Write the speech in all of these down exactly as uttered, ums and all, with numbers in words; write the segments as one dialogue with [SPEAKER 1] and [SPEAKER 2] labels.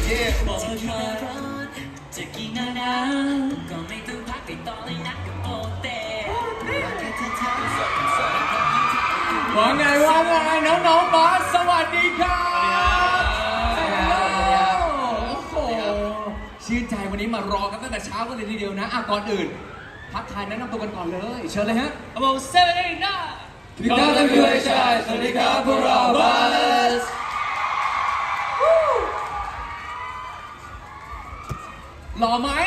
[SPEAKER 1] จะกี่หน้าหนาวก็ไม่ต้องพักไปต่อเลยนะกับโปเต้
[SPEAKER 2] ว่าไงว่าไงน้องๆบาสสวัสดีครับโอ้โหชื่นใจวันนี้มารอกันตั้งแต่เช้ากันเลยทีเดียวนะอ่ะก่อนอื่นทักทายแนะนำตัวกันก่อนเลยเชิญเลยฮะ
[SPEAKER 1] ครับผมเซเว่นนะ
[SPEAKER 2] สวัสดีครับท่านผู้ชมสวัสดีครับพวกเราบาสหล่อไหม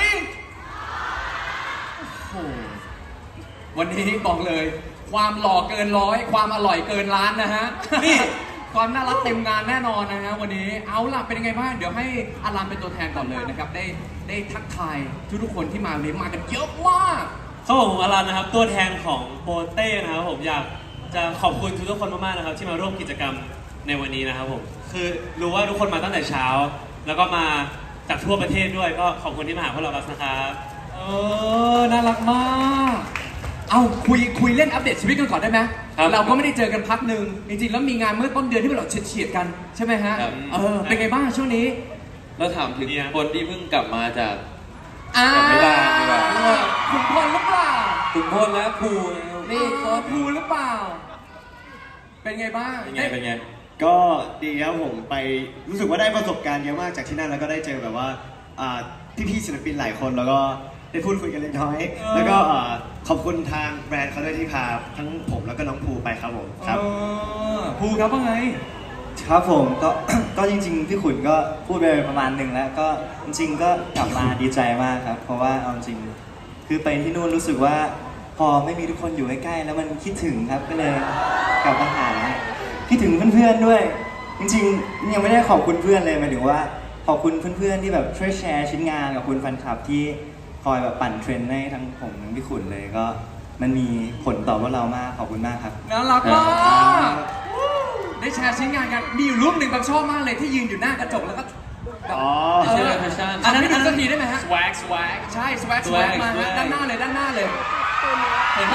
[SPEAKER 2] โอ้โหวันนี้บอกเลยความหล่อเกินร้อยความอร่อยเกินล้านนะฮะนี่ความน่ารักเต็มงานแน่นอนนะฮะวันนี้เอาล่ะเป็นยังไงบ้างเดี๋ยวให้อารันเป็นตัวแทนก่อนเลยนะครับได้ได้ทักทายทุกๆคนที่มาวันนี้มากันเยอะมาก
[SPEAKER 3] ครับผมอารันนะครับตัวแทนของโปเต้นะครับผมอยากจะขอบคุณทุกๆคนมากๆนะครับที่มาร่วมกิจกรรมในวันนี้นะครับผมคือรู้ว่าทุกคนมาตั้งแต่เช้าแล้วก็มาจากทั่วประเทศด้วยก็ขอบคุณที่มาหาพวกเราบัสนะครับ
[SPEAKER 2] เออน่ารักมากเอาคุยคุยเล่นอัปเดตชีวิตกันก่อนได้ไหมเราก็ไม่ได้เจอกันพักหนึ่งจริงๆแล้วมีงานเมื่อต้นเดือนที่เราเฉียดๆกันใช่ไหมฮะเออเป็นไงบ้างช่วงนี้
[SPEAKER 4] เราถามถึงคนที่เพิ่งกลับมาจาก
[SPEAKER 2] ไม่ได้ไม่ได้ขุนพลหรือเปล่า
[SPEAKER 4] ขุนพลและภู
[SPEAKER 2] นี่ขอภูหรือเปล่าเป็นไงบ้าง
[SPEAKER 4] เป็นไงเป็นไง
[SPEAKER 5] ก็ดีครับผมไปรู้สึกว่าได้ประสบการณ์เยอะมากจากที่นั่นแล้วก็ได้เจอแบบว่าพี่ๆศิลปินหลายคนแล้วก็ได้พูดคุยกันเล็กน้อยแล้วก็ขอบคุณทางแบรนด์เขาด้วยที่พาทั้งผมแล้วก็น้องภูไปครับผมครับ
[SPEAKER 2] ภูครับว่าไง
[SPEAKER 6] ครับผมก็ก็จริงๆพี่ขุนก็พูดไปประมาณหนึ่งแล้วก็จริงๆก็กลับมาดีใจมากครับเพราะว่าเอาจริงคือไปที่นู่นรู้สึกว่าพอไม่มีทุกคนอยู่ใกล้ๆแล้วมันคิดถึงครับก็เลยกลับมาหาคิดถึงเพื่อนๆด้วยจริงๆยังไม่ได้ขอบคุณเพื่อนเลยหมายถึงว่าขอบคุณเพื่อนๆที่แบบช่วยแชร์ชิ้นงานกับคุณแฟนคลับที่คอยแบบปั่นเทรนด์ให้ทั้งผมทั้งพี่ขุนเลยก็มันมีผลต่อพวกเรามากขอบคุณมากครับ
[SPEAKER 2] น่ารักมากได้แชร์ชิ้นงานกันมีอยู่รูปหนึ่งบางชอบมากเลยที่ยืนอยู่หน้ากระจกแล้วก็
[SPEAKER 5] อ๋อ
[SPEAKER 2] ใช่แฟชั่นอันนั้นดูสักทีได้ไหมฮะ
[SPEAKER 1] swag swag
[SPEAKER 2] ใช่ swag swag มาฮะด้านหน้าเลยด้านหน้าเลยเห็นไหม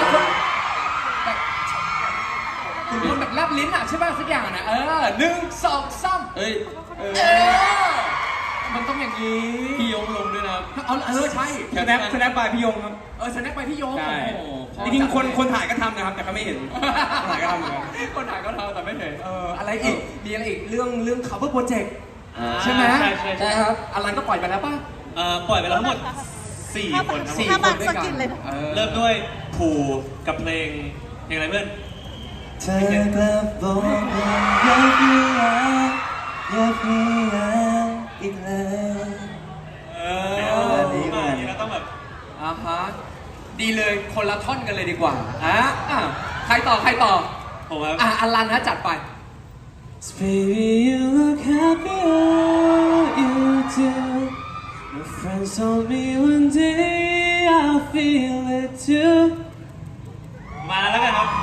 [SPEAKER 2] คุณคนแบบแลบลิ้นอ่ะใช่ป่ะสักอย่างนะเออหนึ่งสองสาม
[SPEAKER 4] เอ้ยเอ
[SPEAKER 2] อมันต้องอย่างนี้
[SPEAKER 4] พี่ยงลงด้วยนะ
[SPEAKER 2] เอาเออใช่
[SPEAKER 7] สแนปสแนปไปพี่ยงครับ
[SPEAKER 2] เออสแนปไปพี่ยง
[SPEAKER 7] จริงๆคนคนถ่ายก็ทำนะครับแต่เขาไม่เห็นคนถ่ายก็ทำเหมือนกัน
[SPEAKER 2] คนถ่ายก็ทำแต่ไม่เห็นเอออะไรอีกมีอะไรอีกเรื่องเรื่อง cover project ใช่ไหม
[SPEAKER 3] ใช่ใช่
[SPEAKER 2] ใช่ครับอลันก็ปล่อยไปแล้วป่ะ
[SPEAKER 3] เอ่อปล่อยไปแล้วทั้งหมดสี่คน
[SPEAKER 2] สี่คนด้วยกัน
[SPEAKER 3] เริ่มด้วยภูกับเพลงเพลงอะไรเพื่อน
[SPEAKER 6] เธอกลับบอกว่าอยากมีรักอยากมีรักอีกแล้ว
[SPEAKER 3] เออดีมากแล้วต้องแบบ
[SPEAKER 2] อ่าฮะดีเลยคนละท่อนกันเลยดีกว่าฮะอ่ะใครต่อใครต่อ
[SPEAKER 3] ผมครับ
[SPEAKER 2] อ่ะอลันนะจัดไป
[SPEAKER 6] Baby you look happier you do My friends told me one day I'll feel it too
[SPEAKER 3] มาแล้วกันครับ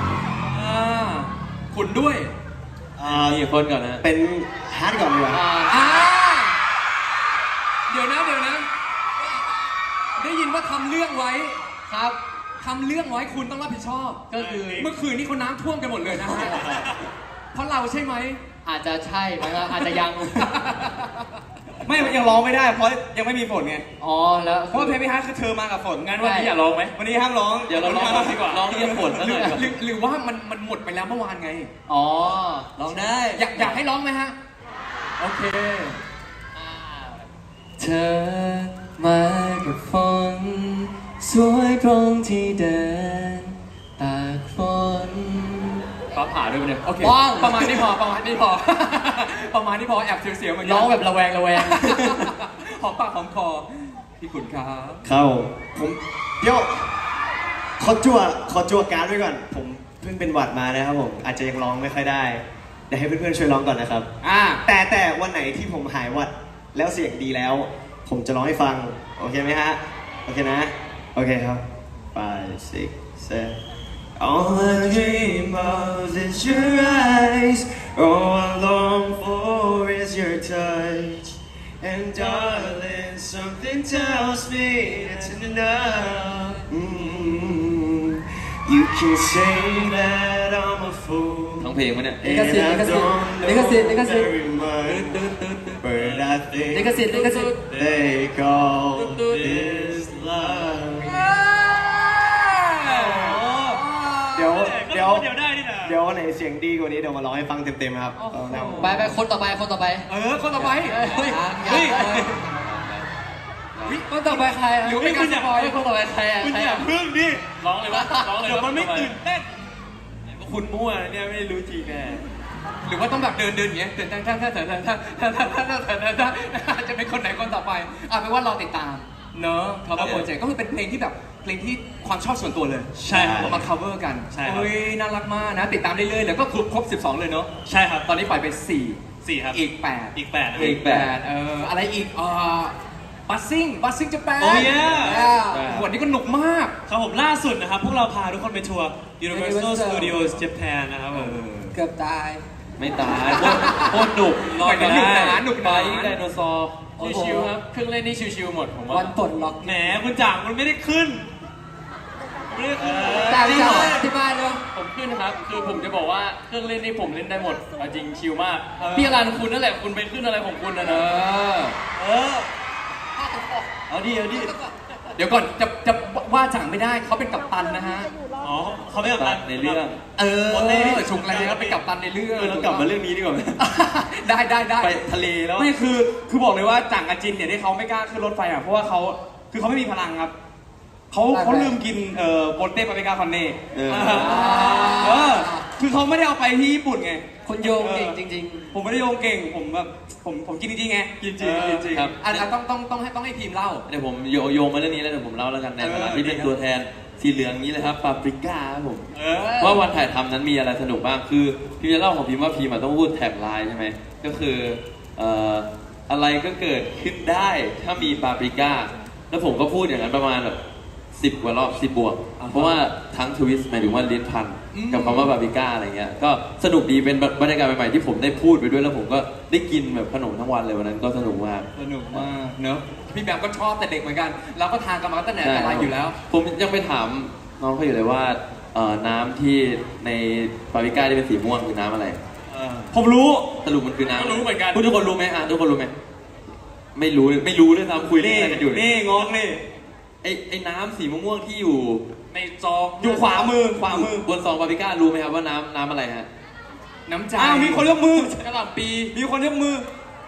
[SPEAKER 2] ขุนด้วย
[SPEAKER 4] กี่คนก่อนนะ
[SPEAKER 5] เป็นฮาร์ดก่อนดีกว่า
[SPEAKER 2] เดี๋ยวนะเดี๋ยวนะได้ยินว่าทำเรื่องไว้ครับทำเรื่องไว้คุณต้องรับผิดชอบก็คือเมื่อคืนนี้เขาน้ำท่วมกันหมดเลยนะฮะเพราะเราใช่ไหม
[SPEAKER 1] อาจจะใช่ไหมครับอาจจะยัง
[SPEAKER 7] ไม่ยังร้องไม่ได้เพราะยังไม่มีฝนไง
[SPEAKER 1] อ๋อแล้ว
[SPEAKER 7] เพราะเพลงพี่ฮาร์ดคือเธอมากับฝน
[SPEAKER 3] งั้นวันนี้อย่าร้องไหม
[SPEAKER 7] วันนี้ห้ามร้อง
[SPEAKER 3] อย่าร้องดีกว่าร้องเรียกฝนซะหน่อย
[SPEAKER 2] หรือว่ามันมันหมดไปแล้วเมื่อวานไง
[SPEAKER 1] อ๋อ
[SPEAKER 2] ร้องได้อยากอยากให้ร้องไหมฮะโอเค
[SPEAKER 6] เธอมากับฝนสวยตรงที่เดินตากฝน
[SPEAKER 2] ฟ้าผ่าด้วยเนี่ยโอเคประมาณนี้พอประมาณนี้พอประมาณนี้พอแอบเสียวๆเหมือน
[SPEAKER 1] ร้องแบบระแวงระแวง
[SPEAKER 2] หอมปากหอมคอพี่ขุนครับ
[SPEAKER 5] เข้าผมเดี๋ยวขอจั่วขอจั่วการ์ดไว้ก่อนผมเพิ่งเป็นหวัดมานะครับผมอาจจะยังร้องไม่ค่อยได้เดี๋ยวให้เพื่อนๆช่วยร้องก่อนนะครับ
[SPEAKER 2] อ่า
[SPEAKER 5] แต่แต่วันไหนที่ผมหายหวัดแล้วเสียงดีแล้วผมจะร้องให้ฟังโอเคไหมฮะโอเคนะโอเคครับ five six seven All I dream of is your eyes. All I long for is your touch. And darling, something tells me it's enough. Mm-hmm. You can say that I'm a fool.
[SPEAKER 4] ทั้งเพลงมั้ยเนี่ย
[SPEAKER 5] And I don't know very much. But I
[SPEAKER 1] ลิขสิทธิ์ลิขสิทธิ์
[SPEAKER 5] They call this love เดี๋ยวเดี๋ยว
[SPEAKER 3] เดี๋ยวได้นี่นะ
[SPEAKER 5] เดี๋ยววันไหนเสียงดีกว่านี้เดี๋ยวมาร้องให้ฟังเต็มๆครับเอาแล้ว
[SPEAKER 1] ไปไปคนต่อไปคนต่อไป
[SPEAKER 2] เออคนต่อไป
[SPEAKER 1] เฮ้ย
[SPEAKER 2] เฮ้ย
[SPEAKER 1] คนต่อไปใครหรือไม่การสปอยคนต่อไปใครอ่ะ
[SPEAKER 3] คุณ
[SPEAKER 1] ใคร
[SPEAKER 3] อย่า
[SPEAKER 1] อ่ะ
[SPEAKER 3] พึ่งดิ
[SPEAKER 4] ร้องเลยวะร้องเลย
[SPEAKER 3] เดี๋ยวมันไม่ตื่นเต้น
[SPEAKER 4] คุณมั่วเนี่ยไม่รู้จริงแน่
[SPEAKER 2] หรือว่าต้องแบบเดินเดินอย่างเงี้ยเดินท่าท่าท่าท่าท่าท่าท่าท่าท่าท่าท่าท่าจะเป็นคนไหนคนต่อไปอ่ะเป็นว่ารอติดตามเนอะ cover project ก็คือเป็นเพลงที่แบบเพลงที่ความชอบส่วนตัวเลย
[SPEAKER 3] ใช่ครับ
[SPEAKER 2] เอามา cover กัน
[SPEAKER 3] ใช่ครับ
[SPEAKER 2] เฮ้ยน่ารักมากนะติดตามเรื่อยๆแล้วก็ครบครบสิบสองเลยเนอะ
[SPEAKER 3] ใช่ครับ
[SPEAKER 2] ตอนนี้ปล่อยไปสี่
[SPEAKER 3] สี่ครับ
[SPEAKER 2] อีกแปด
[SPEAKER 3] อีกแปดนะ
[SPEAKER 2] อีกแปดเอออะไรอีกเอ่อบัสซิ่งบัสซิ่งจะแปด
[SPEAKER 3] Oh yeah
[SPEAKER 2] วันนี้ก็หนุกมาก
[SPEAKER 3] ครับผมล่าสุดนะครับ พวกเราพาทุกคนไปทัวร์ Universal Studios Japan นะครับผม
[SPEAKER 1] เกือบตาย
[SPEAKER 4] ไม่ตายโคตรโคตรหนุกนอนก็
[SPEAKER 2] หนุกห
[SPEAKER 4] ได้
[SPEAKER 2] นาหนุกห
[SPEAKER 4] ไป
[SPEAKER 2] นา
[SPEAKER 4] ไดโนเสาร์
[SPEAKER 1] โอ้โห
[SPEAKER 4] ชิวๆครับเครื่องเล่นนี่ชิวๆหมดผม
[SPEAKER 1] วั
[SPEAKER 4] ว่าน
[SPEAKER 1] ปลดล็อก
[SPEAKER 3] แหมคุณจ่างมันไม่ได้ขึ้นไม่ได้ขึ้น
[SPEAKER 1] จ่าย
[SPEAKER 3] จริง
[SPEAKER 1] จ่า
[SPEAKER 3] เหร
[SPEAKER 1] ย
[SPEAKER 3] อ
[SPEAKER 1] อธิบายเลย
[SPEAKER 4] ผมขึ้นครับ คือผมจะบอกว่าเครื่องเล่นนี่ผมเล่นได้หมดเอาจริงชิวมาก
[SPEAKER 2] เออ
[SPEAKER 4] พี่อรันคุณนั่นแหละคุณไปขึ้นอะไรของคุณนะ
[SPEAKER 2] เอ
[SPEAKER 4] นะ
[SPEAKER 2] อ
[SPEAKER 3] เออ เอาดิเอาดิ
[SPEAKER 2] เดี๋ยวก่อนจะจะว่าจังไม่ได้เขาเป็นกัปตันนะฮะ
[SPEAKER 3] อ๋อเขาไม่กับตัน
[SPEAKER 4] ในเรื่อง
[SPEAKER 2] เออ
[SPEAKER 3] โอเต้
[SPEAKER 2] ชุกแล้วเป็นกัปตันในเรื่อง
[SPEAKER 5] เออเรากลับมาเรื่องนี้ดีกว่าไหม
[SPEAKER 2] ได้ได้ได้
[SPEAKER 7] ไปทะเลแล้วไม่คือคือบอกเลยว่าจ่างกับจินเนี่ยที่เขาไม่กล้าขึ้นรถไฟอ่ะเพราะว่าเขาคือเขาไม่มีพลังครับเขาเขาลืมกินเอ่อโปเต้ปาปริก้าคอนเน่
[SPEAKER 5] เออ
[SPEAKER 7] เออคือเขาไม่ได้เอาไปที่ญี่ปุ่นไง
[SPEAKER 1] คนโยงเก่งจริง
[SPEAKER 7] ผมไม่ได้โยงเก่งผมแบบผมผมกินจริงๆไงกินจริงกินจริง
[SPEAKER 4] ครับ
[SPEAKER 2] อ่ะอ่ะต้องต้องต้องให้ต้องให้ทีมเล่า
[SPEAKER 4] เดี๋ยวผมโยโยงมาเรื่องนี้แล้วเดี๋ยวผมเล่าแล้วกันในฐานะ
[SPEAKER 2] เออ
[SPEAKER 4] ที่เป็นตัวแทนสีเหลืองนี้เลยครับปาปริก้าครับผม
[SPEAKER 7] เออ
[SPEAKER 4] ว่าวันถ่ายทำนั้นมีอะไรสนุกบ้าง คือพิมจะเล่าของพิมว่าพิมอะต้องพูดแท็กไลน์ใช่ไหม ก็คือเอ่ออะไรก็เกิดขึ้นได้ถ้ามีปาปริก้า แล้วผมก็พูดอย่างนั้นประมาณแบบสิบกว่ารอบสิบบวก เพราะว่าทั้งทวิสต์หมายถึงว่าลิ้นพัน
[SPEAKER 2] อืม
[SPEAKER 4] กับคำว่าปาปริก้าอะไรเงี้ย ก็สนุกดีเป็นบรรยากาศใหม่ๆที่ผมได้พูดไปด้วยแล้วผมก็ได้กินแบบขนมทั้งวันเลยวันนั้นก็สนุกมาก
[SPEAKER 2] สนุกมากเนอะพี่แบมก็ชอบแต่เด็กเหมือนกัน เราก็ทานกันมาตั้งแต่แต่ไรอยู่แล้ว
[SPEAKER 4] ผมยังไปถามน้องเขาอยู่เลยว่าเอ่อน้ำที่ในปาปริก้าที่เป็นสีม่วงคือน้ำอะไร
[SPEAKER 7] ผมรู้
[SPEAKER 4] สรุปมันคือน้ำ
[SPEAKER 7] ก็รู้เหมือนกัน
[SPEAKER 4] พูดทุกคนรู้ไหมอ่ะทุกคนรู้ไหมไม่รู้เลยไม่รู้ด้วยซ้ำคุยเรื่อง
[SPEAKER 7] นี่
[SPEAKER 4] อะไรกันอยู่เลย
[SPEAKER 7] นี่งงนี่
[SPEAKER 4] ไอ้ไอ้น้ำสีม่วงๆที่อยู่
[SPEAKER 7] ในซองอยู่ขวามือขวามือบ
[SPEAKER 4] นซองปาปริก้ารู้ไหมครับว่าน้ำน้ำอะไรฮะ
[SPEAKER 2] น้ำใจ
[SPEAKER 7] อ้าวมีคนยกมือก
[SPEAKER 4] ระหล่ำปี
[SPEAKER 7] มีคนยกมือ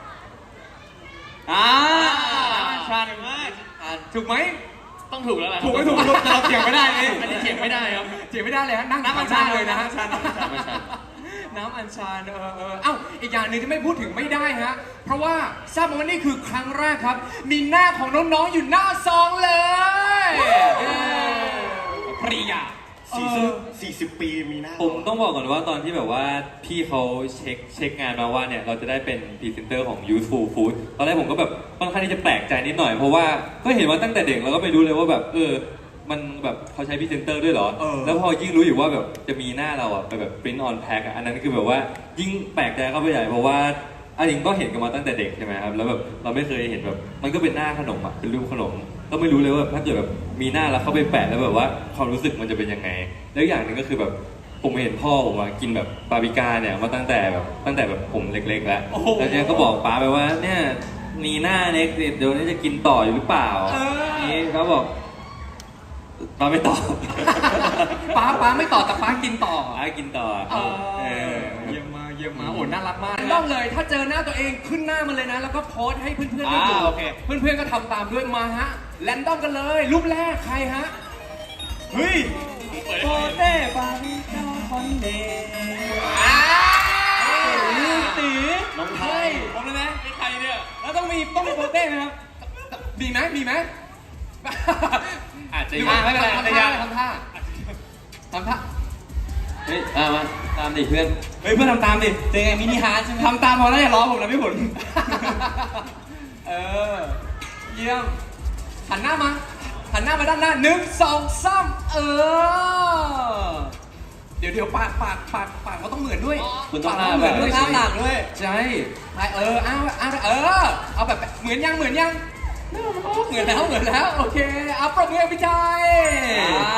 [SPEAKER 7] อ่าชันมาก
[SPEAKER 2] ถูกไหม
[SPEAKER 4] ต้องถูกแล้วแหละ
[SPEAKER 7] ถูกไม่ถูกไม่รู้แต่เราเถียงไม่ได้ไง
[SPEAKER 4] อันนี้เถียงไม่ได้ครับ
[SPEAKER 2] เถียงไม่ได้เลยฮะนั่ง
[SPEAKER 7] น้ำอัญชันเลยนะฮะชันน้ำอัญชัน
[SPEAKER 4] ไม่ใช่
[SPEAKER 2] น้ำอัญชันเออเออเอ้าอีกอย่างหนึ่งที่ไม่พูดถึงไม่ได้ฮะเพราะว่าทราบมาว่านี่คือครั้งแรกครับ มีหน้าของน้องๆอยู่หน้าซองเลยเออปริยา
[SPEAKER 5] สี่สิบสี่สิบปีมีหน้า
[SPEAKER 3] ผมต้องบอกก่อนว่าตอนที่แบบว่าพี่เขาเช็คเช็คงานมาว่าเนี่ยเราจะได้เป็นพรีเซนเตอร์ของ Youthful Food ตอนแรกผมก็แบบค่อนข้างที่จะแปลกใจนิดหน่อยเพราะว่าก็เห็นว่าตั้งแต่เด็กเราก็ไม่รู้เลยว่าแบบเออมันแบบเขาใช้พรีเซนเตอร์ด้วยเหรอ
[SPEAKER 2] เออ
[SPEAKER 3] แล้วพอยิ่งรู้อยู่ว่าแบบจะมีหน้าเราอะไปแบบ print on pack อะอันนั้นคือแบบว่ายิ่งแปลกใจเข้าไปใหญ่เพราะว่าอันนี้ก็เห็นกันมาตั้งแต่เด็กใช่ไหมครับแล้วแบบเราไม่เคยเห็นแบบมันก็เป็นหน้าขนมอะเป็นรูปขนมก็ไม่รู้เลยว่าถ้าเกิดแบบมีหน้าแล้วเข้าไปแปะแล้วแบบว่าความรู้สึกมันจะเป็นยังไงแล้วอย่างหนึ่งก็คือแบบผมเห็นพ่อผมอะกินแบบปาปริก้าเนี่ยมาตั้งแต่แบบตั้งแต่แบบผมเล็กๆแล้วแล้วเนี่ยก็บอกป้าไปว่าเนี่ยมีหน้าเน็กเดี๋ยวนี้จะกินต่ออยู่หรือเปล่านี่เขาบอกป้าไม่ตอบ
[SPEAKER 2] ป้าป้าไม่ต่อแต่ป้ากินต่อ
[SPEAKER 3] ป้ากินต่อ
[SPEAKER 2] เออ
[SPEAKER 3] เออ
[SPEAKER 2] เยี่ยมมากเยี่ยมมากโอ้น่ารักมากต้องเลยถ้าเจอหน้าตัวเองขึ้นหน้ามันเลยนะ แล้วก็โพสต์ให้เพื่อนๆได้ดู
[SPEAKER 7] อ่าโอเค
[SPEAKER 2] เพื่อนๆก็ทำตามด้วยมาฮะแรนดอมกันเลยรูปแรกใครฮะ
[SPEAKER 7] เฮ้ยโปเต้ปาริก้าคอนเน่
[SPEAKER 2] อ้า
[SPEAKER 7] ลูกตี
[SPEAKER 5] น้องไทย
[SPEAKER 7] ผมเลยไหมไม่ใครเนี่ยแล้วต้องมีต้องมีโปเต้ไหมครับ
[SPEAKER 2] มีไหมมีไหม
[SPEAKER 3] อาจจะ
[SPEAKER 2] ดู
[SPEAKER 3] ยัง
[SPEAKER 2] ไม่เป็นไร
[SPEAKER 7] อาจ
[SPEAKER 2] ทำ
[SPEAKER 7] จะยั
[SPEAKER 2] ท่าง ทำท่าทำท่า
[SPEAKER 4] เฮ้ยอ่ะมาตามดิเพื่อน
[SPEAKER 7] เฮ้ยเพื่อนทำตามดิเป็นไงมินิฮาร์ดใช่ไหมทำตามพอแล้วอย่าล้อผมนะพี่ผล
[SPEAKER 2] เออเยี่ยมหันหน้ามาหันหน้ามาด้านหน้าหนึ่งสองสามเออเดี๋ยวเดี๋ยวปากปากปากปากเขาต้องเหมือนด้วย
[SPEAKER 4] คุณต้อง
[SPEAKER 2] ปาก
[SPEAKER 4] หน้า
[SPEAKER 2] เหมือนด้วย
[SPEAKER 4] แบบ
[SPEAKER 2] หน้าหนักด้วยใช่ไปเออเอาเอาเออเอาแบบเหมือนยังเหมือนยังเหมือนแล้วเหมือนแล้วโอเคเอาปรบมือให้พี่ชาย
[SPEAKER 7] อ่า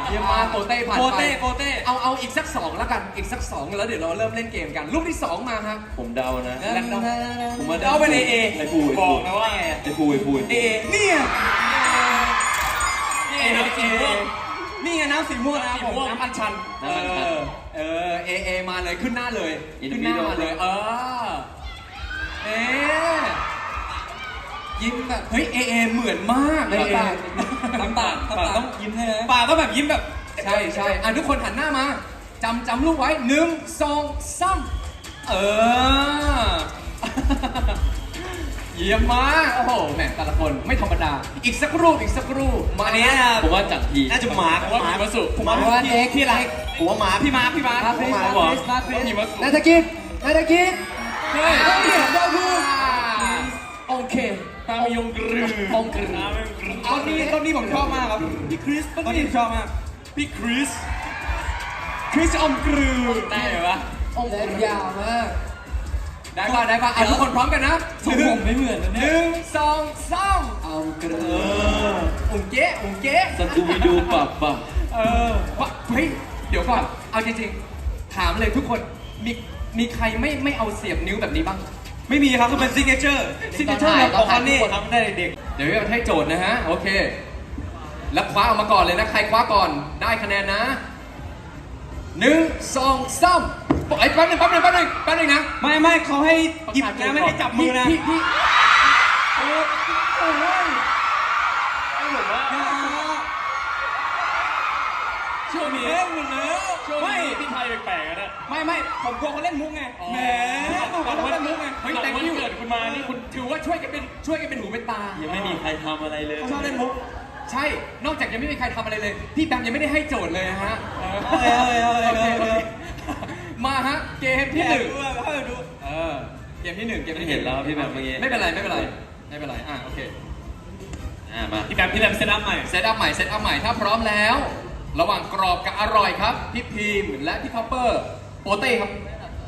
[SPEAKER 2] เยี่ยมมากโปเต้ผ่านไป
[SPEAKER 7] โปเต้โปเต้
[SPEAKER 2] เอาเอาอีกสักสองแล้วกันอีกสักสองแล้วเดี๋ยวเราเริ่มเล่นเกมกันลูกที่สองมาฮะ
[SPEAKER 4] ผมเดานะ ผมว่า
[SPEAKER 7] เดาเป็น เอ เอ
[SPEAKER 4] ไอ้ปูไอ้
[SPEAKER 7] บ
[SPEAKER 4] ปู
[SPEAKER 7] อกนะว่าไง
[SPEAKER 4] ไอ้ปูไอ้ปู
[SPEAKER 7] เอเนี่ยนี่น้ำสีม่วงนี่ไงน้ำสีม่วงนะครับผมน้ำอัญชัน
[SPEAKER 2] เออเออเอเอมาเลยขึ้นหน้าเลย
[SPEAKER 4] อิน
[SPEAKER 2] ขึ้น
[SPEAKER 4] วิ
[SPEAKER 2] หน้า
[SPEAKER 4] ดีโอ
[SPEAKER 2] มาเลยเออเอ๊ะยิ้มแบบเฮ้ยเอเอเหมือนมาก
[SPEAKER 7] เอเอ
[SPEAKER 2] ทำปากทำปากต้องยิ้มให้นะ
[SPEAKER 7] ปากก็แบบยิ้มแบบ
[SPEAKER 2] ใช่ใช่อ่ะทุกคนหันหน้ามาจำจำลูกไว้หนึ่งสองสามเออ เยี่ยมมากโอ้โหแหมแต่ละคนไม่ธรรมดา อีกสักรูปอีกสักรูปมา
[SPEAKER 7] อัน
[SPEAKER 2] เนี้
[SPEAKER 7] นี้
[SPEAKER 2] ย
[SPEAKER 4] ผมว่าจากที
[SPEAKER 5] น่าจะหมา
[SPEAKER 7] ผมว่าพี่วสุ
[SPEAKER 5] ผมว่าเด็กที่ไรผมว่าหมาพี่มาพี่มา
[SPEAKER 7] มา
[SPEAKER 5] ผม
[SPEAKER 7] คริส
[SPEAKER 5] ว่าห
[SPEAKER 7] มา
[SPEAKER 5] มา
[SPEAKER 7] คริสมาคริส
[SPEAKER 2] พี่วสุ
[SPEAKER 6] นาตากินาตากิ
[SPEAKER 2] เฮ้ย
[SPEAKER 6] เฮ้ยเดาถูก
[SPEAKER 2] โอเค
[SPEAKER 7] ตามยงกรือ
[SPEAKER 2] องค์กรือ
[SPEAKER 7] ตอนนี้ตอนนี้ผมชอบมากครับพี่คริสตอนนี้ผมชอบมากพี่คริสคริสอมกรือได้ไหมวะ
[SPEAKER 2] องค์
[SPEAKER 6] เล็บยาวมาก
[SPEAKER 2] ได้ป่ะได้ป่ะอ่ะทุกคนพร้อมกันนะ
[SPEAKER 7] ทรงผมไม่เหมือนนะ
[SPEAKER 2] ห
[SPEAKER 7] เนี่ย
[SPEAKER 2] นึ่งสองสาม
[SPEAKER 6] เอากระ
[SPEAKER 2] อุ่งเก๊ะอุ่งเก๊ะ
[SPEAKER 4] สตูวิดูปับปับ
[SPEAKER 2] เออวะเฮ้ยเดี๋ยวก่อนเอาจริงๆถามเลยทุกคนมีมีใครไม่ไม่เอาเสียบนิ้วแบบนี้บ้าง
[SPEAKER 7] ไม่มีครับคือเป็นซิกเนเจอร์
[SPEAKER 2] ซิกเนเจอร์
[SPEAKER 7] ของคอนนี่ทำได้เด็ก
[SPEAKER 2] เดี๋ยวให้โจทย์นะฮะ โอเค แล้วคว้าออกมาก่อนเลยนะ ใครคว้าก่อนได้คะแนนนะหนึ่งสองสามไอ้ยแป๊บหนึงแป๊บหนึงแป๊บหนึงแป๊บหนึงนะ
[SPEAKER 7] ไม่ไม่เขาให้หยิบนะไม่ให้จับมือนะ
[SPEAKER 2] พี่พี่
[SPEAKER 7] โอ้โหไอ้ผมว่าช่วงนี้เล่นหมดแล้วไม่พี่ไทยแปลกๆนะไม่ไม่ผมกลัวเขาเล่นมุกไงแหมเขาเล่นมุกไง
[SPEAKER 2] เฮ้ยแต่ที่เกิดคุณมานี่คุณถือว่าช่วยกันเป็นช่วยกันเป็นหูเป็นตา
[SPEAKER 4] ยังไม่มีใครทำอะไรเลย
[SPEAKER 7] เขาชอบเล่นมุก
[SPEAKER 2] ใช่ นอกจากยังไม่มีใครทำอะไรเลย พี่แบมยังไม่ได้ให้โจทย์เลยนะฮะ
[SPEAKER 7] เอาเลยเอาเลยเอาเลย
[SPEAKER 2] โอเค
[SPEAKER 7] เอาเลย
[SPEAKER 2] มาฮะ เกมที่
[SPEAKER 7] พี่
[SPEAKER 2] ห
[SPEAKER 7] ห
[SPEAKER 2] นึ่
[SPEAKER 7] นึ่
[SPEAKER 2] ง
[SPEAKER 7] งให้ดู
[SPEAKER 2] เออ เกมที่หนึ่งเกม
[SPEAKER 4] ไม่
[SPEAKER 2] ที่
[SPEAKER 4] เห็นแล้วพี่แบบเมื่อกี้
[SPEAKER 2] ไม่เป็นไรไม่เป็นไรไม่เป็นไร อ่ะโอเค
[SPEAKER 4] อ่ามา
[SPEAKER 3] พี่แบบพี่แบบเซตอัพใหม่
[SPEAKER 2] เซตอัพใหม่เซตอัพใหม่ถ้าพร้อมแล้ว ระหว่างกรอบกับอร่อยครับ พี่พีมและพี่คอปเปอร์โปเต้ครับ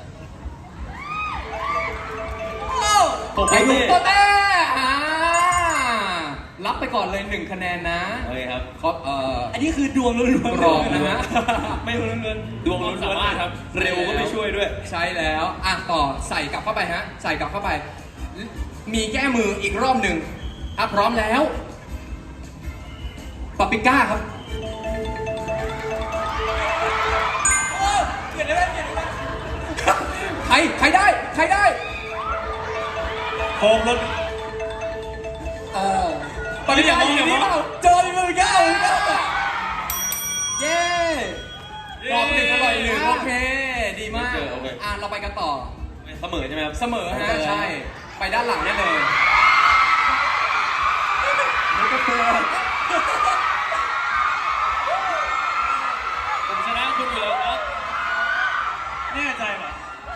[SPEAKER 4] ผม
[SPEAKER 2] ไป
[SPEAKER 4] ไม่
[SPEAKER 2] ดู
[SPEAKER 4] เต้
[SPEAKER 2] โปเต้อ่ารับไปก่อนเลยหนึ่งคะแนนนะ
[SPEAKER 4] โอเคครับ
[SPEAKER 2] ครับเอ่อ
[SPEAKER 7] อันนี้คือดวงล้วนๆ
[SPEAKER 2] กรอบนะฮะ
[SPEAKER 7] ไม่ล้วนๆ
[SPEAKER 4] ดวงล้วนๆครับ
[SPEAKER 7] เร็วก็ไม่ช่วยด้วย
[SPEAKER 2] ใช่แล้ว อ่ะต่อใส่กลับเข้าไปฮะ ใส่กลับเข้าไป มีแก้มืออีกรอบหนึ่งถ้าพร้อมแล้วปาปริก้าครับ
[SPEAKER 7] เกิดอะไรขึ้นเกิดอะไร
[SPEAKER 2] ใคร ใครได้ ใครได้
[SPEAKER 7] โคมรถ
[SPEAKER 6] เออ
[SPEAKER 2] ปาปริก้าอยู่นี่เปล่าเจอเลยปาปริก้าปาปริก้าเย้รอบหนึ่งอร่อยหนึ่งโอเค ดีมาก
[SPEAKER 4] โอเค
[SPEAKER 2] อ่ะเราไปกันต่อ
[SPEAKER 4] เสมอใช่ไหมครับ
[SPEAKER 2] เสมอฮะ ใช่ ไปด้านหลังได้เลย
[SPEAKER 3] ผมชนะคุณอยู่แล้วครับแน่ใจเหรอ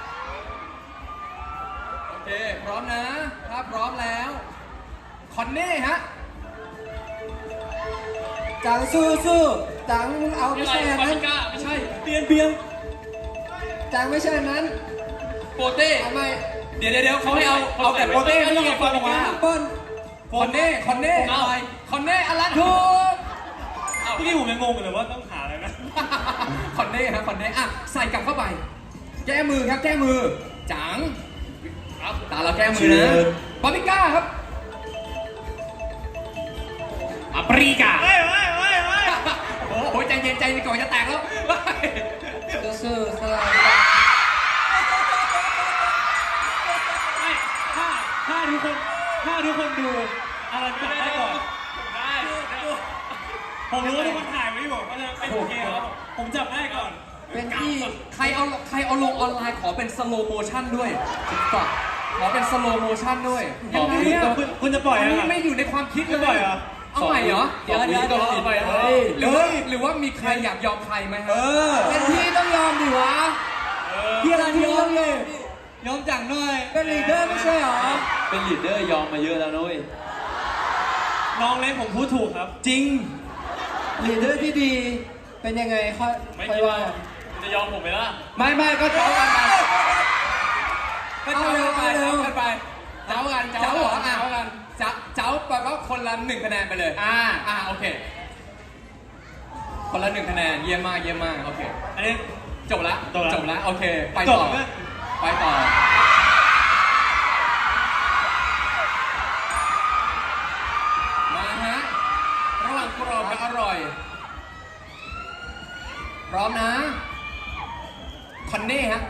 [SPEAKER 2] โอเค พร้อมนะ ถ้าพร้อมแล้ว คอนเน่ฮะ
[SPEAKER 6] จังสู้สู้จังเอาไม่
[SPEAKER 3] ไม่
[SPEAKER 6] ใช่
[SPEAKER 3] ใช่
[SPEAKER 6] อัน
[SPEAKER 3] ปา
[SPEAKER 6] นั้
[SPEAKER 3] ปิ
[SPEAKER 6] น
[SPEAKER 3] ก้าไม่ใช่
[SPEAKER 7] เปลี่ยนเปลี่ยน
[SPEAKER 6] จังไม่ใช่อันนั้น
[SPEAKER 2] โปเต้
[SPEAKER 6] เอาไม่
[SPEAKER 2] เดี๋ยวเดี๋ยวเดี๋ยวเขาให้เอา เอาแต่โปเต้ไม่ต้องเอาฟองออกมา
[SPEAKER 6] เปิ้ล
[SPEAKER 2] คอนเน่ คอนเน่
[SPEAKER 3] เอา
[SPEAKER 2] อะไรคอนเน่อลันถูก
[SPEAKER 3] พี่นี่ผมยังงงเลยว่าต้องหาอะไรนะ
[SPEAKER 2] คอนเน่ฮะ คอนเน่ อ่ะ ใส่กลับเข้าไป แก้มือครับ แก้มือ จังครับตาเราแก้มือนะปาปริก้าครับ
[SPEAKER 3] ปาปริก้า
[SPEAKER 2] โอ้โหใจเย็นใจเย็นก่อนจะแตกแล้ว
[SPEAKER 6] สู้สู้สลาย
[SPEAKER 3] ไม่ถ้าถ้าทุกคนถ้าทุกคนดูอะไรจับได้ก่อนได้ผมรู้ว่าทุกคนถ่ายไว้อยู่เพราะฉะนั้นเป็นโอเคแล้วผมจับได้ก่อน
[SPEAKER 6] เป็นที่
[SPEAKER 2] ใครเอาใครเอาลงออนไลน์ขอเป็นสโลโมชั่นด้วยฝากขอเป็นสโลโมชั่นด้วยยังไงอ่ะ
[SPEAKER 7] คุณคุณจะปล่อย
[SPEAKER 2] อัน
[SPEAKER 7] อะ
[SPEAKER 2] นี้ไม่อยู่ในความคิดเลย
[SPEAKER 7] จะปล่อยเหรอ
[SPEAKER 2] เอาใหม่เหรอ
[SPEAKER 7] เดี๋ยวเดี๋ยวเดี๋ยวเอาไปเอาไป
[SPEAKER 2] หรือว่าหรือว่ามีใครอยากยอมใครไหมฮะ
[SPEAKER 7] เออ
[SPEAKER 6] เป็นที่ต้องยอมดิวะ
[SPEAKER 7] พี่อะไรพี่
[SPEAKER 6] ต้องยอม
[SPEAKER 7] ยอมจังหน่อย
[SPEAKER 6] เป็นลีดเดอร์ไม่ใช่เหรอ
[SPEAKER 4] เป็นลีดเดอร์ยอมมาเยอะแล้วนุ้ย
[SPEAKER 3] น้องเล็กผมพูดถูกครับ
[SPEAKER 7] จริง
[SPEAKER 6] ลีดเดอร์ที่ดีเป็นยังไงค่อย
[SPEAKER 3] ไม่
[SPEAKER 6] ค่อย
[SPEAKER 3] คิด
[SPEAKER 6] ว่า
[SPEAKER 3] ว่าจะยอมผมไหมล่ะ
[SPEAKER 6] ไม่ไม่ก็เจ้ากันไป
[SPEAKER 2] ก็เจ้ากันไป
[SPEAKER 6] เอาเร็ว
[SPEAKER 2] เจ้ากันไปเจ้ากันเจ้าเหรออ่ะเจ้ากันเจ้าเจ้าแปลว่าคนละหนึ่งคะแนนไปเลย อ่าอ่าโอเคคนละหนึ่งคะแนนเยี่ยมมากเยี่ยมมากโอเค
[SPEAKER 3] อันนี้
[SPEAKER 2] จบละ
[SPEAKER 3] จบละ
[SPEAKER 2] จบละโอเค ไป
[SPEAKER 3] จ
[SPEAKER 2] ต่
[SPEAKER 3] บ
[SPEAKER 2] อ
[SPEAKER 3] แล้ว
[SPEAKER 2] ไปต่อ มาฮะ ระหว่างกรอบกับอร่อย พร้อมนะ คอนเน่ฮะ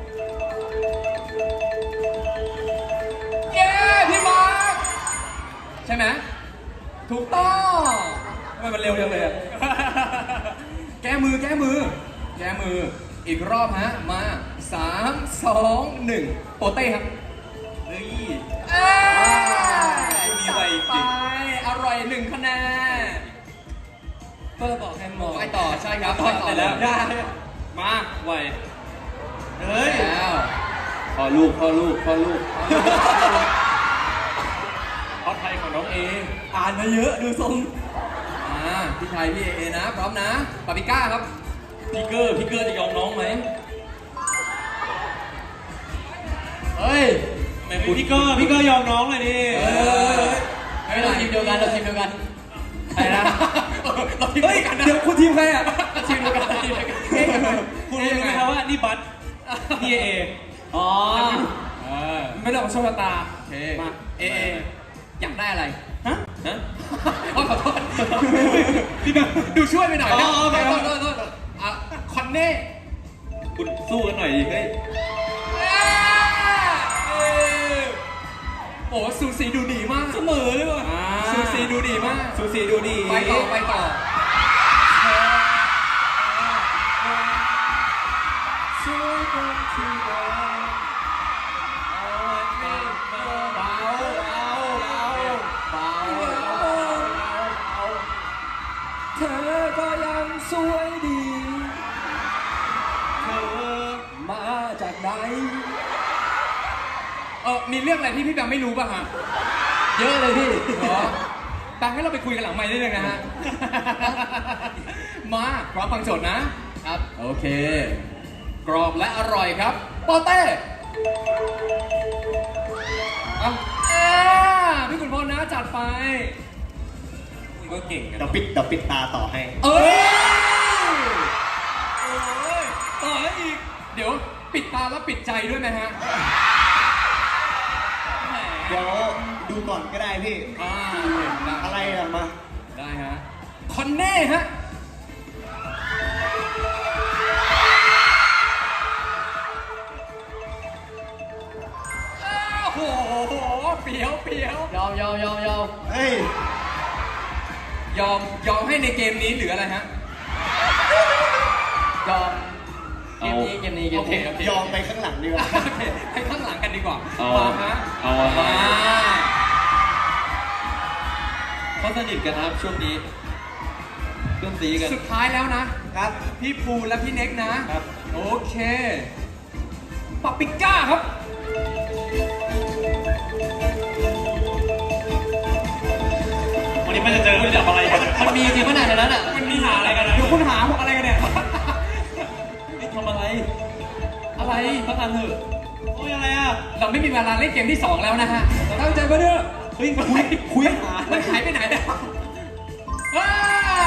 [SPEAKER 2] เย้ พี่มาร์คใช่ไหม ถูกต้องทำไมมันเร็วจังเลยอะ แก้มือแก้มือ แก้มือ อีกรอบฮะ มาสามสองหนึ่งโปเต้ครับ
[SPEAKER 3] เฮ้ย
[SPEAKER 2] เอ้ย
[SPEAKER 3] มีไวจริง
[SPEAKER 2] ไปอร่อยหนึ่งคะแนน
[SPEAKER 1] เปิ้ลบอกให้มอง
[SPEAKER 2] ไปต่อใช่ครับ ไปต่อ
[SPEAKER 3] ไปแล้ว
[SPEAKER 2] ได้
[SPEAKER 3] มาไวเฮ้ย
[SPEAKER 2] แล้ว
[SPEAKER 4] พ่อลูกพ่อลูกพ่อลูก
[SPEAKER 3] เอาไทยของน้องเอ
[SPEAKER 1] อ่านมาเยอะดูทรง
[SPEAKER 2] อ่าพี่ชายพี่เอนะ พร้อมนะปาปิก้าครับ
[SPEAKER 1] พี่เกอร์พี่เกอร์จะยอมน้องไหม
[SPEAKER 2] เฮ้ย
[SPEAKER 3] แหมพี่เกอร์พี่เกอร์ยอมน้องเลยดิ
[SPEAKER 2] เออ
[SPEAKER 1] เฮ้ยเราทีมเดียวกันเราทีมเดียวกัน
[SPEAKER 2] ใครนะเราทีม
[SPEAKER 1] เฮ้ย
[SPEAKER 2] เดียวกันนะ
[SPEAKER 1] เดี๋ยวคุณทีมใครอ่ะทีมเดียวกันทีมเดียวกัน
[SPEAKER 2] เอ๊ะยังไง
[SPEAKER 3] คุณรู้ไหมครับว่านี่บัตนี่เอ
[SPEAKER 1] อ๋อ
[SPEAKER 2] เออ
[SPEAKER 1] ไม่ได้ของโชคชะตา
[SPEAKER 2] โอเค
[SPEAKER 1] มา
[SPEAKER 2] เอเออยากได้อะไร
[SPEAKER 1] ฮะ
[SPEAKER 4] ฮะ
[SPEAKER 2] ขอโทษพี่ดูดูช่วยไปหน่อยนะ
[SPEAKER 1] อ๋อโอเค
[SPEAKER 2] โทษโทษโทษอ่ะคอนเน่
[SPEAKER 4] คุณสู้กันหน่อยดิเฮ้ย
[SPEAKER 2] โอ้สูสีดูดีมาก
[SPEAKER 1] เสมอเลยว่ะ
[SPEAKER 2] สูสีดูดีมาก
[SPEAKER 1] สูสีดูดี
[SPEAKER 2] ไปต่อไปต่อเบาเบาเบาเบา
[SPEAKER 1] เธอก็ยังสวยดี
[SPEAKER 2] เธอ
[SPEAKER 1] มาจากไหน
[SPEAKER 2] เออมีเรื่องอะไรที่พี่แบงค์ไม่รู้ป่ะฮะ
[SPEAKER 1] เยอะเลยพี่
[SPEAKER 2] เหรอแบงค์ให้เราไปคุยกันหลังไมค์ได้เลยนะฮะ มาพร้อมฟังโจทย์นะ ครับ โอเค กรอบและอร่อยครับโปเต้อ่ะอ่าพี่ขุนพลนะจัดไป
[SPEAKER 3] คุณก็เก่งกัน
[SPEAKER 5] เดี๋ยวปิดเดี๋ยวปิดตาต่อให้
[SPEAKER 2] เอ้ยโอ้ยต่อแล้วอีก เดี๋ยวปิดตาแล้วปิดใจด้วยไหมฮะแหม
[SPEAKER 5] เดี๋ยวดูก่อนก็ได้พี่
[SPEAKER 2] อ่าได้
[SPEAKER 5] อะไรอะมา
[SPEAKER 2] ได้ฮะ คอนเน่ฮะ โอ้โหเปียวเปียวย
[SPEAKER 1] อมยอมยอมยอม
[SPEAKER 5] เฮ้ย
[SPEAKER 2] ยอมยอมให้ในเกมนี้หรืออะไรฮะ
[SPEAKER 1] ยอมเกมนี้เกมนี้เกม
[SPEAKER 2] โอเค
[SPEAKER 1] นี้
[SPEAKER 2] โอเค
[SPEAKER 5] ยอมไปข้างหลังดีกว่า
[SPEAKER 2] โอเคให้ข้างหลังกันดีกว่า
[SPEAKER 4] เอา
[SPEAKER 2] มาฮะ
[SPEAKER 4] เอาอะ
[SPEAKER 2] มา
[SPEAKER 4] เขาสนิทกันนะครับช่วงนี้เพื่อนซีกัน
[SPEAKER 2] สุดท้ายแล้วนะ
[SPEAKER 5] ครับ
[SPEAKER 2] พี่ภูและพี่เน็กนะ ครับ โอเคปาปิก้าครับ
[SPEAKER 3] วันนี้มันจะเจอคุณจับอะไรกัน
[SPEAKER 1] มันมีจริงขนาดนั้นอ่ะ
[SPEAKER 3] มันมีหาอะไรกันนะ
[SPEAKER 2] เดี๋ยวคุณหาพวกอะไรกันเนี่ย
[SPEAKER 4] นี่ทำอะไร
[SPEAKER 2] อะไร
[SPEAKER 4] พักกันเถอะ
[SPEAKER 3] โอ้ยอะไรอ่ะ
[SPEAKER 2] เราไม่มีเวลาเล่นเกมที่สองแล้วนะฮะ
[SPEAKER 1] ตั้งใจมาเด้อ
[SPEAKER 2] เฮ้ยคุยคุยหามันหายไปไหนเนี่ยอ้าว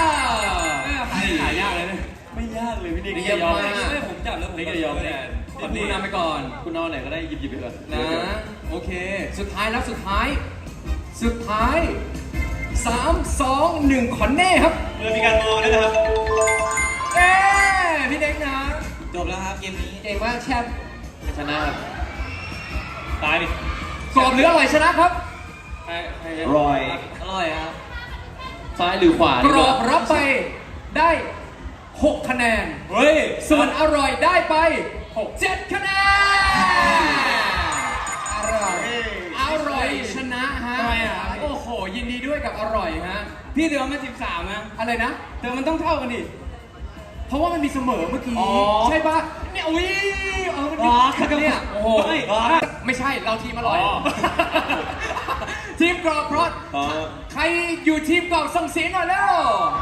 [SPEAKER 3] หายากเลยนะ
[SPEAKER 4] ไม่ยากเลยพี่นิก
[SPEAKER 2] เยี่ยมมาก
[SPEAKER 1] ไม่ผมจับแล้วผม
[SPEAKER 4] นี่ก็ยอมแน่
[SPEAKER 2] พี่ภูนำไปก่อน
[SPEAKER 4] คุณเอาไหนก็ได้หยิบหยิบไปเถอะ
[SPEAKER 2] นะ โอเค สุดท้ายแล้วสุดท้าย สุดท้ายสามสองหนึ่งคอนเน่ครับ
[SPEAKER 3] เมื่อมีการมองด้วยนะครับ
[SPEAKER 2] เอ้พี่เด็กนะ
[SPEAKER 1] จบแล้วครับเกมนี้
[SPEAKER 2] เก่งมากแชมป์
[SPEAKER 4] ชนะครับ
[SPEAKER 3] ตายดิ
[SPEAKER 2] กรอบหรืออร่อยชนะครับ
[SPEAKER 3] ใครใคร
[SPEAKER 5] รอย
[SPEAKER 1] อร่อยครับ
[SPEAKER 4] ซ้ายหรือขวาก ดี
[SPEAKER 2] ร
[SPEAKER 4] ก
[SPEAKER 2] อ
[SPEAKER 4] ว่า
[SPEAKER 2] บรับไปได้หกคะแนน
[SPEAKER 3] เฮ้ย
[SPEAKER 2] ส่วนอร่อยได้ไปเจ็ดคะแนน อร่อย อร่อยชนะฮะ
[SPEAKER 1] ทำไมอ่ะ
[SPEAKER 2] โอ้โห ยินดีด้วยกับอร่อยฮะ
[SPEAKER 1] พี่เดือมาสิบสามนะ
[SPEAKER 2] อะไรนะ
[SPEAKER 1] เดือมันต้องเท่ากันดิ
[SPEAKER 2] เพราะว่ามันมีเสมอเมื่อกี้
[SPEAKER 1] อ๋อ
[SPEAKER 2] ใช่ปะเนี่ยอุ้ยเออมัน
[SPEAKER 1] อ๋
[SPEAKER 2] มี
[SPEAKER 1] อ
[SPEAKER 2] เนี่ยโอ้โห
[SPEAKER 1] เฮ้ยอ๋อ
[SPEAKER 2] ไม่ใช่เราทีมอร่อย
[SPEAKER 3] อ๋อ
[SPEAKER 2] ทีมกรอบเพราะ
[SPEAKER 4] อ๋อ
[SPEAKER 2] ใครอยู่ทีมกรอบส่งเสียงหน่อยแล้ว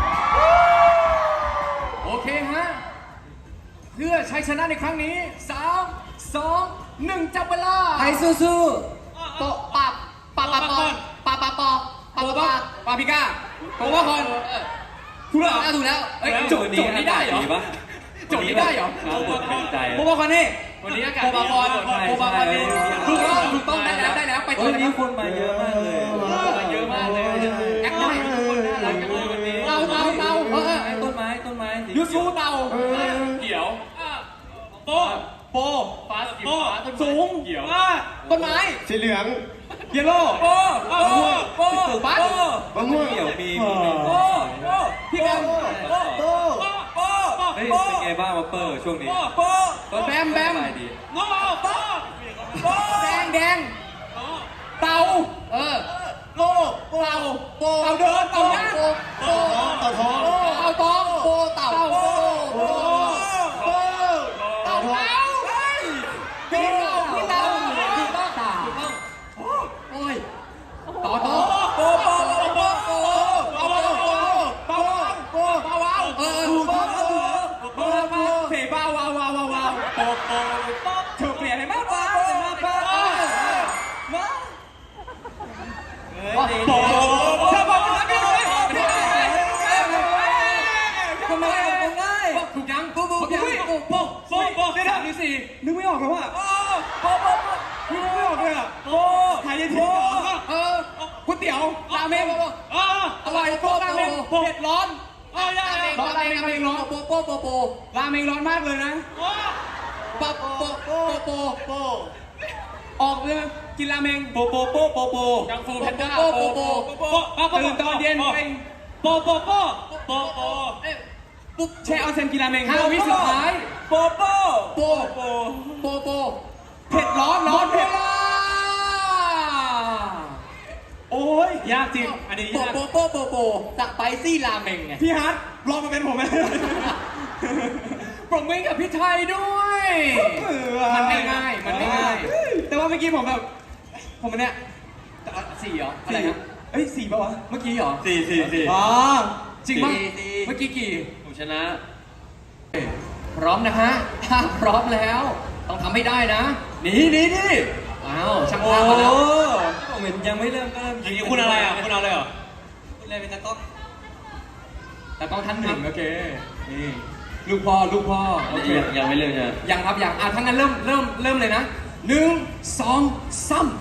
[SPEAKER 2] โอเคฮะ เพื่อชัยชนะในครั้งนี้สามสองหนึ่งจับเวลา
[SPEAKER 1] ไทยสู้
[SPEAKER 2] โปะปับปับปับปอปะปะปอปะปะปาพิก้าโปะว่าคอนถูกแล้วเหรอถูกแล้วเอ้ยโจทย์โจทย์นี้ได้เหรอ
[SPEAKER 4] ปะ
[SPEAKER 2] โจทย์นี้ได้เหรอ
[SPEAKER 4] น้ำบดเป็นใจ
[SPEAKER 7] โบคอนนี่
[SPEAKER 2] วันนี้อากาศ
[SPEAKER 7] โบบาคอนโบบาคอนนี่
[SPEAKER 2] ถูกต้องถูกต้องได้แล้วได้แล้วไปต่อ
[SPEAKER 6] วัน
[SPEAKER 2] เลย
[SPEAKER 6] นี้
[SPEAKER 2] ครับ
[SPEAKER 6] คนมาเยอะมากเลย
[SPEAKER 2] มาเยอะมากเลยแอคได้ทุกคนน่ารักจังเลยวันนี้เตาเตาเตาเออ
[SPEAKER 6] ไอ้ต้นไม้ต้นไม้สี
[SPEAKER 2] ยูซูเตา
[SPEAKER 3] เขียวโป
[SPEAKER 2] โปฟ้าสีฟ้าต้นไม้
[SPEAKER 7] สูง
[SPEAKER 3] เขียว
[SPEAKER 7] อ่า
[SPEAKER 2] ต้นไม้
[SPEAKER 5] สีเหลือง
[SPEAKER 7] เยลโล่
[SPEAKER 2] โปโปโปบัส
[SPEAKER 5] มะม่วง
[SPEAKER 6] เขียวมี
[SPEAKER 7] โอ้
[SPEAKER 6] มี
[SPEAKER 7] โหพี่แบมโอ้โหโอ้
[SPEAKER 6] เฮ้ยเป็นไงบ้างวะเปอร์ช่วงนี้
[SPEAKER 7] โอ้
[SPEAKER 2] แบมแบม
[SPEAKER 6] สบายดี
[SPEAKER 7] โอ้โห
[SPEAKER 2] แดงแดงเตาเออ
[SPEAKER 7] โอ้โห
[SPEAKER 2] เตาโป
[SPEAKER 7] เต่าเดินเต่าย่าง
[SPEAKER 2] โปโป
[SPEAKER 5] ต่อทอง
[SPEAKER 2] เตาตองโปเต่าโปโป
[SPEAKER 7] โอ้
[SPEAKER 2] เต่าเต่าเฮ้ยพี่เต่าพี่เต่าพี่เต่าเต่าโอ้ยต่อต่อ
[SPEAKER 7] โอ้โหโอ้โหโอ้โหโอ้โหโอ้โหโอ้โหโอ้โห
[SPEAKER 2] เบาเบาเออ
[SPEAKER 7] ถูก
[SPEAKER 2] เบา
[SPEAKER 7] ต้อง
[SPEAKER 2] เบา
[SPEAKER 7] ถูกต้องเพย์บ้าวาวาวาวาวโป๊ะโป๊ะโป๊ะเธอเปลี่ยนให้มากกว่ามาบ้ามาโป๊ะเธอบอกว่าไม่ได้ทำไมง่าย
[SPEAKER 2] ถูกยังปุ๊บปุ๊บยังปุ๊บปุ๊บ
[SPEAKER 7] โป๊ะโป๊ะได้ที่สี่นึกไม่ออกแล้วอ่ะโป๊ะโป๊ะนึกไม่ออกเลยอ่ะโป๊ะหายใจทิ้ง
[SPEAKER 2] เออก๋วยเตี๋ยวราเมง
[SPEAKER 7] อ่า
[SPEAKER 2] อร่อยโป๊ะราเมง
[SPEAKER 7] เผ็ดร้อนอ่าได้
[SPEAKER 2] ร้อนราเมงราเมงร้อนโป๊ะโป๊ะโป๊ะโป๊ะ
[SPEAKER 7] ราเมงร้อนมากเลยนะ
[SPEAKER 2] โป๊ะโป๊ะโป๊ะโป๊ะโป๊ะ
[SPEAKER 7] ออกเลยกินราเมงโปโปโปโปโป
[SPEAKER 2] ยังฟูแพนด้าโป๊ะโป๊ะโป๊ะ
[SPEAKER 7] โปโปตื่นตอนเย็นไปโปโปโปโปโป
[SPEAKER 2] ปุ๊บ
[SPEAKER 7] แช่ออนเซนกินราเมง
[SPEAKER 2] ห้าวิสุดท้าย
[SPEAKER 7] โปโป
[SPEAKER 2] โป๊ะ
[SPEAKER 7] โป
[SPEAKER 2] โป๊ะโป๊ะ
[SPEAKER 7] เผ็ดร้อนร้อนเผ็ดโอ้ยยากจริงอันนี้
[SPEAKER 2] โป๊ะ
[SPEAKER 7] ยาก
[SPEAKER 2] โป๊ะโป๊ะโป๊ะโป๊ะสไปซี่ราเมงไง
[SPEAKER 7] พี่ฮัทลองมาเป็นผมไหม
[SPEAKER 2] ปรบมือกับพี่ไทยด้วย มันไม่ง่ายมันไม่ง่าย
[SPEAKER 7] แต่ว่าเมื่อกี้ผมแบบผมเนี่ย
[SPEAKER 2] สี่เหรออะไรนะ
[SPEAKER 7] เอ้ยสี่ป่าวะ
[SPEAKER 2] เมื่อกี้เหรอ
[SPEAKER 4] สี่สี่สี่
[SPEAKER 7] อ๋อ
[SPEAKER 2] จริงป่ะเมื่อกี้กี่
[SPEAKER 4] ผมชนะ
[SPEAKER 2] พร้อมนะฮะ ถ้าพร้อมแล้ว ต้องทำให้ได้นะหนีหนีหนีอ้าวช่าง
[SPEAKER 7] โอ้
[SPEAKER 2] ภาพมาแล้ว
[SPEAKER 6] ผมเห็นยังไม่เริ่มก็เริ่ม
[SPEAKER 3] อย่างนี้คุณอะไรอ่ะคุณเอาเลยเหรอ
[SPEAKER 6] คุณอะไรเป็นตะก๊อก
[SPEAKER 2] แต่ต้องท่านหนึ่งโอเคนี่ลูกพ่อลูกพ่อโอเค
[SPEAKER 4] ยังยังไม่เริ่มใช่ไหม
[SPEAKER 2] ยังครับยังอ่ะทั้างนั้นเริ่มเริ่มเริ่มเลยนะหนึ่งสองสาม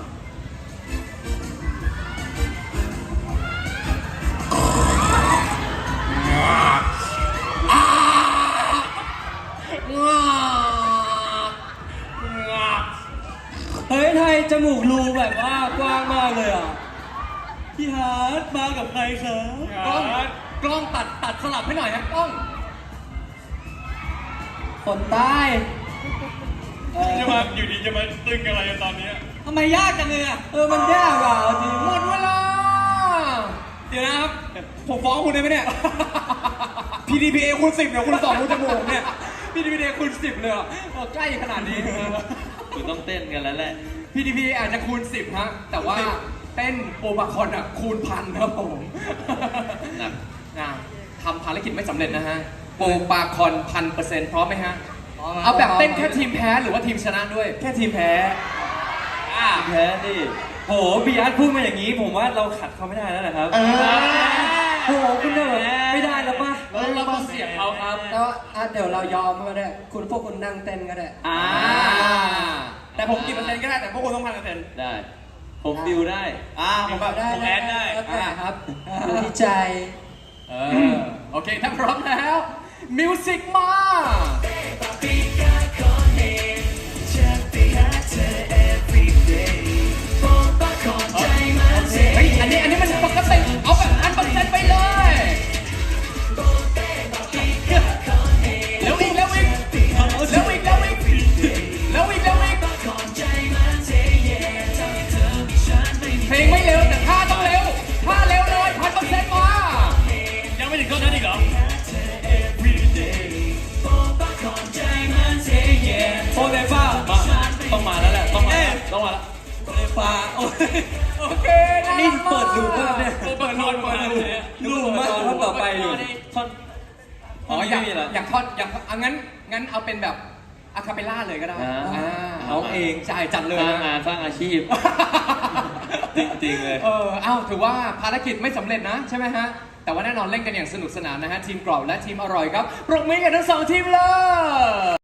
[SPEAKER 2] งา
[SPEAKER 6] เฮ้ยไทยจมูกรูแบบว่ากว้างมากเลยอ่ะพี่ฮาร์ดมากับใครครับ
[SPEAKER 2] กล้องกล้องตัดตัดสลับให้หน่อยนะกล้อง
[SPEAKER 6] คนใต้
[SPEAKER 3] จะมาอยู่ดีจะมาตึงอะไรตอนนี้
[SPEAKER 6] ทำไมยากจังเลยอ่ะเออมันยากอ่ะเอาจริง
[SPEAKER 2] หมดเวลา
[SPEAKER 7] เดี๋ยวนะครับ ผมฟ้องคุณได้ไหมเนี่ย พี ดี พี เอ คูณสิบเนี่ยคุณสองคูณจมูกเนี่ย
[SPEAKER 2] พีดีพีคูณสิบเลยเหรอโอ้ใกล้ขนาดนี้
[SPEAKER 4] คุณต้องเต้นกันแล้วแหละ
[SPEAKER 2] พีดีพีอาจจะคูณสิบฮะแต่ว่าเต้นโอบาคอนอ่ะคูณพันครับผม
[SPEAKER 4] หนัก
[SPEAKER 2] นะทำภารกิจไม่สำเร็จนะฮะโอบาคอนพันเปอร์เซ็นต์พร้อมไหมฮะเอาแบบเต้นแค่ทีมแพ้หรือว่าทีมชนะด้วย
[SPEAKER 7] แค่ทีมแพ้
[SPEAKER 2] อ่า
[SPEAKER 6] แพ้ดิโหพี่อาร์ตพูดมาอย่างนี้ ผมว่าเราขัดเขาไม่ได้แล้วนะครับ
[SPEAKER 5] เออ
[SPEAKER 6] โหคุณเนี่ยแบบไม่ได้แล้วป่ะ
[SPEAKER 2] เราเราต้องเสียบเขาครับ
[SPEAKER 8] แล้วอ่ะเดี๋ยวเรายอมก็ได้ คุณพวกคุณนั่งเต้นก็ได้
[SPEAKER 7] อ่า แต่ผมกี่เปอร์เซ็นต์ก็ได้ แต่พวกคุณต้องพันเปอร์เซ็นต์
[SPEAKER 4] ได้ ผมบิวได้
[SPEAKER 7] อ่า ผมแบบ
[SPEAKER 8] ได้
[SPEAKER 7] ผมแอดได้
[SPEAKER 8] แล้วแต่ครับอยู่ที่ใจ
[SPEAKER 2] เออโอเคถ้าพร้อมแล้วมิวสิกมา เฮ้ย อันนี้ อันนี้มันปกติ เอาแบบพันเปอร์เซ็นต์ไปเลยเร็วอีกเร็วอีกเร็วอีกเร็วอีกเร็วอีกเร็วอีกเพลงไม่เร็วแต่ท่าต้องเร็วท่าเร็วเลยพันเปอร์เซ็นต์มา
[SPEAKER 3] ยังไม่ถึงต้นนั้นอีกเหรอ
[SPEAKER 7] โฟเดฟ้า
[SPEAKER 4] มา ต้องมาแล้วแหละ ต้องมาแล้วต้องมาแล้ว
[SPEAKER 7] ฟ้าโอ้ย
[SPEAKER 2] โอเคนะ
[SPEAKER 6] นี่เปิดดูภาพเนี่ย
[SPEAKER 7] เปิดโหลดเปิดดู
[SPEAKER 6] ดูมากท่อนต่อไปอยู่
[SPEAKER 4] ท่อน
[SPEAKER 2] อ๋ออยาก
[SPEAKER 4] ไม่มีเหรอ
[SPEAKER 2] อยากทอดอยากอ่ะงั้นงั้นเอาเป็นแบบอะคาเปลล่าเลยก็ได้
[SPEAKER 4] อ่า
[SPEAKER 2] อ่าร้องเองจ่ายจัดเลย
[SPEAKER 4] สร้าง
[SPEAKER 2] นะ
[SPEAKER 4] งานสร้างอาชีพ จริงๆเลย
[SPEAKER 2] เออเอ้าถือว่าภารกิจไม่สำเร็จนะใช่ไหมฮะแต่ว่าแน่นอนเล่นกันอย่างสนุกสนานนะฮะทีมกรอบและทีมอร่อยครับปรบมือให้กับทั้งสองทีมเลย